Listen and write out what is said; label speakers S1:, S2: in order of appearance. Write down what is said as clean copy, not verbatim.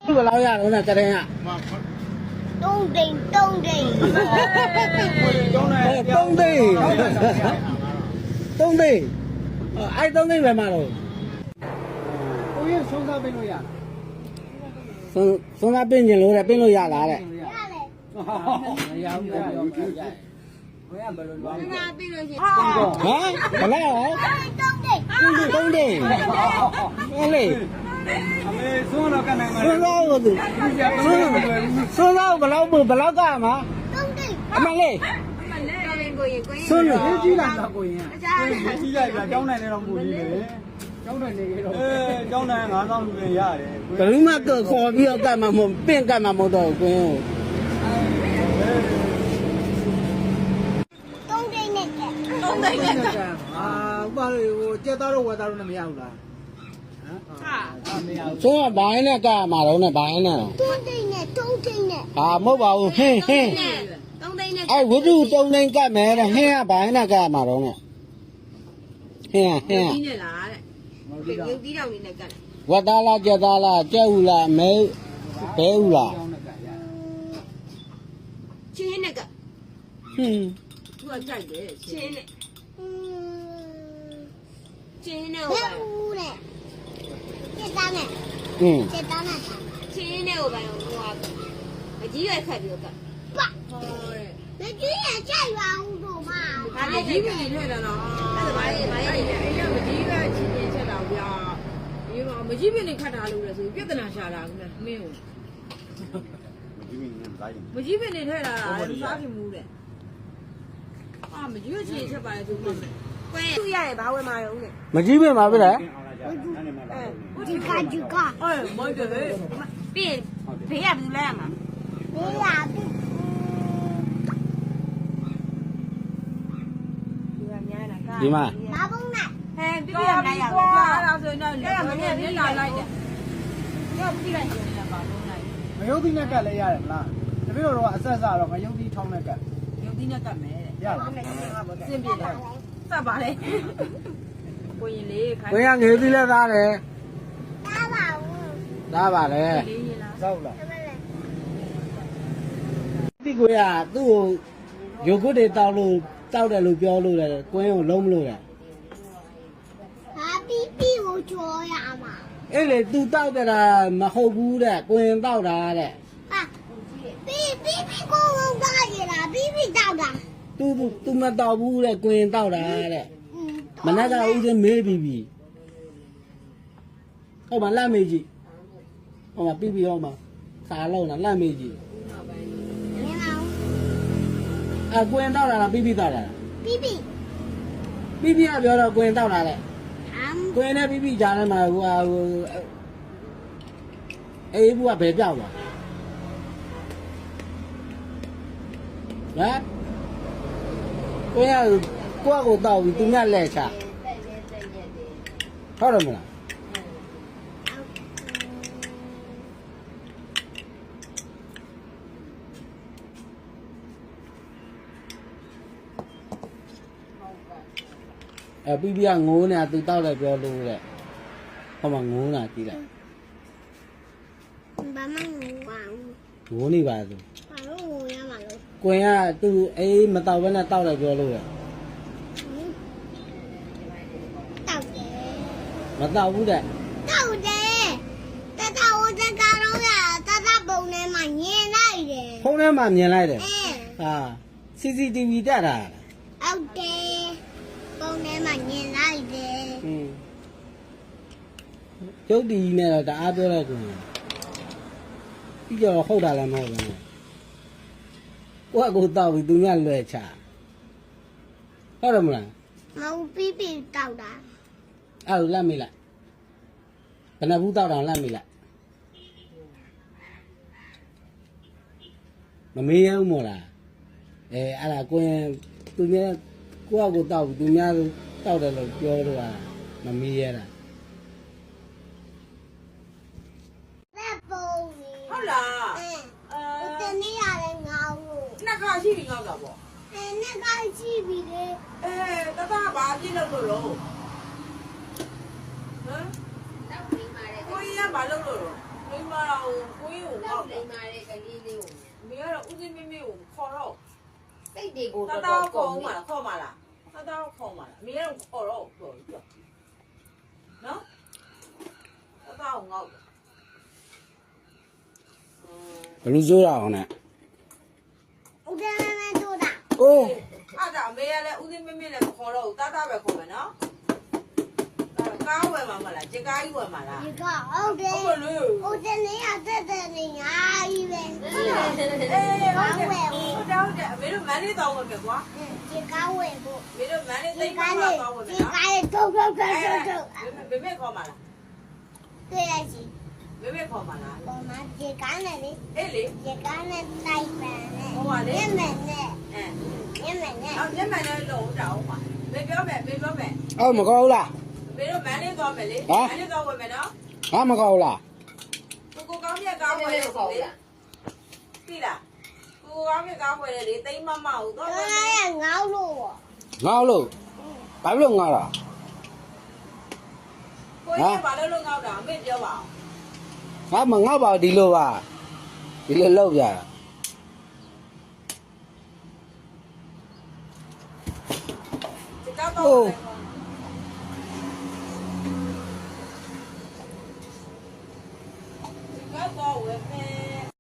S1: ဘယ်လောက်ရတော့နဲ့ကရင်က
S2: 3သိန်း3သိန်း
S1: 3သိန်းအဲ့3သိန်းပဲမှာတော့
S3: ကိုရဆုံးစားပေးလို့ရလား
S1: ဆုံးသားပင်းကျင်လို့တဲ့ပင်းလို့ရလားတဲ့
S2: ရတယ်
S3: မရဘူးပြောပြကြဘယ်ကဘယ်လိုလုပ်လဲ
S2: ငါပြီးလို့ရှိရင်
S1: ဟမ်ဘယ်လောက်
S2: 3သိန်း
S1: 3သိန်းဟဲ့လေ
S3: အမေဆုံးတော့ကနိုင်မှာ
S1: ဆုံးသားကိုသူဆုံးသားဘယ်လောက်ကမှာ
S2: 3သိန်း
S1: အမလေးဆုံးလို့
S3: ကြီးလာတော့ကိုရင်ကြီးလိုက်ပြကျောင်းနိုင်နေတော့မူကြီးလေကျောင်းနိုင်နေကြတော့ကျောင်းနိုင်9000လူတွေရတယ်
S1: ဘယ်သူမှခေါ်ပြီးတော့ကတ်မှာမဟုတ်ပင့်ကတ်မှာမဟုတ်တော့ကွင်း
S2: 3သိန်းနဲ့ကဲ
S3: 3သိန်းနဲ့အာဥပါလေဟိုကြက်သားတော့ဝက်သားတော့မရဘူးလားဟာမရဘူး
S1: ဆုံးကဘိုင်းနဲ့ကတ်မှာတော့နဲ့ဘိုင်းနဲ့
S2: 3သိန်းနဲ့3သိန်းနဲ့
S1: ဟာမဟုတ်ပါဘူးဟင်း
S2: 3သိန်းနဲ့
S1: အဲ့ဝိတု3သိန်းကတ်မယ်တဲ့ဟင်းကဘိုင်းနဲ့ကတ်မှာတော့နဲ့ဟင်း
S4: ကြီးနဲ့လားတဲ့ရုပ်ကြီးတောင်လေးနဲ့ကတ်
S1: ဝတ်သားလားကြက်သားလားကြက်ဦးလားမဲဘဲဦးလား
S4: ချင်းနဲ့ကတ်
S1: ဟင်း
S4: သူကကြိုက်တယ်ချင်းနဲ့ချင်းနဲ့
S2: ဘယ်ဦးလဲစစ်သားနဲ့စစ်သားနဲ့
S4: ချင်းနဲ့ဟိုပိုင်းဟိုအကြီးရွယ်ခတ်ပြီးတော့ကတ်
S2: ပါမကြီးရကြိုက်ပါဦးတို့မ
S4: ဒါလည်းကြီးပြီထဲတာနော်အဲ့ဒါဘာလဲအဲ့ရမကြီးကချင်းချင်းချက်တော့ဗျာဒီမှာမကြီးပြီနေခတ်တာလို့လဲဆိုပြဿနာရှာတာကမင်းကိုမကြီးပြီနေထဲတာစားဖြစ်မှုတဲ့အာမကြီးချင်းချက်ပါလေသူမှကွဲသူ့ရတယ်ဘာဝယ်မှာရုံးနဲ့
S1: မကြီးပင်ပါဗျာ
S2: ဒီကဒီက
S4: မိုက်တယ်ပြီးဘေးရဘူးလဲမှာ
S2: ဘေးရပြီ
S1: ဒီမှာ
S2: ဘာဘုံနဲ့
S4: ဟဲ့ပြပြနိုင်ရပါဘူးအဲ့ဒါဆိုတော့လည်းမင်းမျက်လာလိုက်တယ်ရောပြလိုက်ရင်လည်းပါလို့လိုက်
S3: မယုတ်တိနဲ့ကတ်လည်းရတယ်မလားတပည့်တော်ကအဆက်ဆက်တော့မယုတ်တိထောင်းနဲ့ကတ်
S4: ရုပ်သီးနဲ့ကတ်မယ်တဲ့
S3: ရလား
S4: စင်ပြတယ်စပ်ပါလေကိုရင်လေးခိုင်း
S1: ကိုရငေးသီးလဲသားတယ်
S2: သားပါဦး
S1: သားပါလေ
S4: လေးရင်လား
S3: စောက်လား
S1: ဒီကိုရသူ့ကိုရုပ်ကုတ်တွေတောက်တယ်လို့ပြောလို့တယ်ကွင်းကိုလုံးမလို့တယ်
S2: ဟာပီပီကိုကြောရမှာ
S1: အဲ့လေသူတောက်တာမဟုတ်ဘူးတဲ့ကွင်းတောက်တာတဲ့
S2: ဟာပီကိုဘာရလားပီတောက်တာ
S1: သူမတောက်ဘူးတဲ့ကွင်းတောက်တာတဲ့မနက်ကဦးစင်းမေးပြီးဟုတ်ပါလက်မေးကြည့်ဟောမှာပြီးဟောမှာစားလုံးလားလက်မေးကြည့်ကွင်းတောက်တာလားပြီးတောက်တာလားပြီးကပြောတော့ကွင်းတောက်တာလေကွင်းနဲ့ပြီးကြားထဲမှာဟိုအေးဘူးကဘယ်ပြောက်သွားဟမ်ကွင်းကကိုယ့်ကိုတောက်ပြီးသူများလက်ချဟုတ်တယ်မလားပြီးကငိုးနေတာသူတောက်လိုက်ပြောလို့တဲ့ဟောမှာငိုးတာကြည့်လိုက်
S2: ဘာမှမပါဘူး
S1: ငိုးနေပါသူ
S2: ဘာလို့ငိုရမှာလို့
S1: ကွင်ကသူအေးမတောက်ဘဲနဲ့တောက်လိုက်ပြောလို့ရ
S2: တောက်တယ်
S1: မတောက်ဘူးတဲ့
S2: တောက်တယ်တတဝတကတော့ရတတပုံထဲမှာညင်လိုက်တယ်
S1: ဖုန်းထဲမှာမြင်လိုက်တယ်ဟာ CCTV တက်တာ
S2: ဟုတ်တယ်ပုံထဲမှာညင်လိုက်တယ်
S1: ကျုပ်ဒီနဲ့တော့တအားပြောလိုက်ကွင်ပြီးတော့ဟုတ်တာလည်းမဟုတ်ဘူးကိုယ့်ကိုတောက်ပြီးသူများလွယ်ချဟုတ်တယ်မလား
S2: မဟုတ်ပြီးတောက်တာ
S1: အဲ့လိုလက်မိလိုက်ဘယ်နှဘူးတောက်တာလက်မိလိုက်မမေးရဘူးမို့လားအဲ့ဒါကွင်သူများကိုယ့်ကိုတောက်ပြီးသူများတောက်တယ်လို့ပြောတော့မမေးရတာ
S4: ဟုတ်လား
S2: တနေ့ရတယ်ငါ့ကို
S4: နှစ်ခါရှိပြီငေါ့တာပေါ့
S2: နှစ်ခါရှိပြီလေ
S4: တတဘာပြည့်လို့လို့ဟမ်ကိုကြီးကဘာလုပ်လို့မိမကိုက်နေမှာလေကလေးလေးကိုမင်းကတော့ဦးစင်းမင်းမင်းကိုခေါ်တော့စိတ်တွေကို
S5: တ
S4: တော်
S5: တော်
S4: တော်
S5: ခေါ်
S4: ခေါ်
S5: မှာ
S4: မှာခေါ်မှာလားတော်တော်ခေါ်မှာလားမင်းကတော့ခေါ်တော့ပြောနော်တော်တော်ငေါ့
S1: ဘလူးစိုးရအောင်နဲ့
S2: ဦးတယ်မဲတို့တာ
S1: အိုး
S4: အဲ့ဒါအမေကလည်းဦးစင်းမင်းမင်းလည်းမခေါ်တော့ဘူးတာတာပဲခေါ်မယ်နော်ကားဝယ်မှာမလားဂျကားကြီးဝယ်မှာလား
S2: ဒီကဟုတ်တယ်
S4: ဟုတ်လို့
S2: ဦးတယ်နေရတဲ့နေညာကြီးပဲ
S4: အေးဟုတ်တယ်အမေတို့မန်းလေးတောင်းဝယ်မယ်ကွာ
S2: ဒီကားဝယ်ဖို့
S4: အမေတို့မန်းလေးသိ
S2: ဒီ
S4: မ်း
S2: ကား
S4: မှာ
S2: လေး
S4: တောင်းဝယ်မယ်
S2: ဒီ
S4: နော်
S2: ကားလေးထုတ်ထုတ်ထုတ်ထုတ်ထုတ်
S4: မေမေခေါ်မှာလား
S2: တွေ့ရစီ
S4: မေမေခေါ်မှာလား
S2: ပေါ်မှာဒီကားနဲ့လေ
S4: အေးလေ
S2: ဒီကားနဲ့တိုက်ပန်နဲ့
S4: ဟိုပါလေ
S2: ညမနဲ့
S4: အဲ
S2: ညမနဲ့
S4: အော်မျက်မှန်နဲ့လုံးတောင်းပါမေပြောမယ်မေပြောမယ်
S1: အော်မကောင်းဘူးလား
S4: မေတို့မန်းလေးသွားမယ်လေမန်းလေးသွားဝယ်မယ်နော်
S1: ဟာမကောင်းဘူးလား
S4: ကိုကောင်းမြတ်ကားဝယ်လို့ဆိုလေပြီလားကိုကောင်းမြတ်ကားဝယ်လေသိမ်းမမဟုတ်တော့
S2: ကားရငေါ့လို့
S1: ငေါ့လို့ဘာလို့ငေါ့တာ
S4: ကိုကြီးဘာလို့ငေါ့တာအမေပြောပါအောင်
S1: ငါမငေါ့ပါဘူးဒီလိုပါဒီလိုလောက်ကြတာ
S4: ဒီကတော့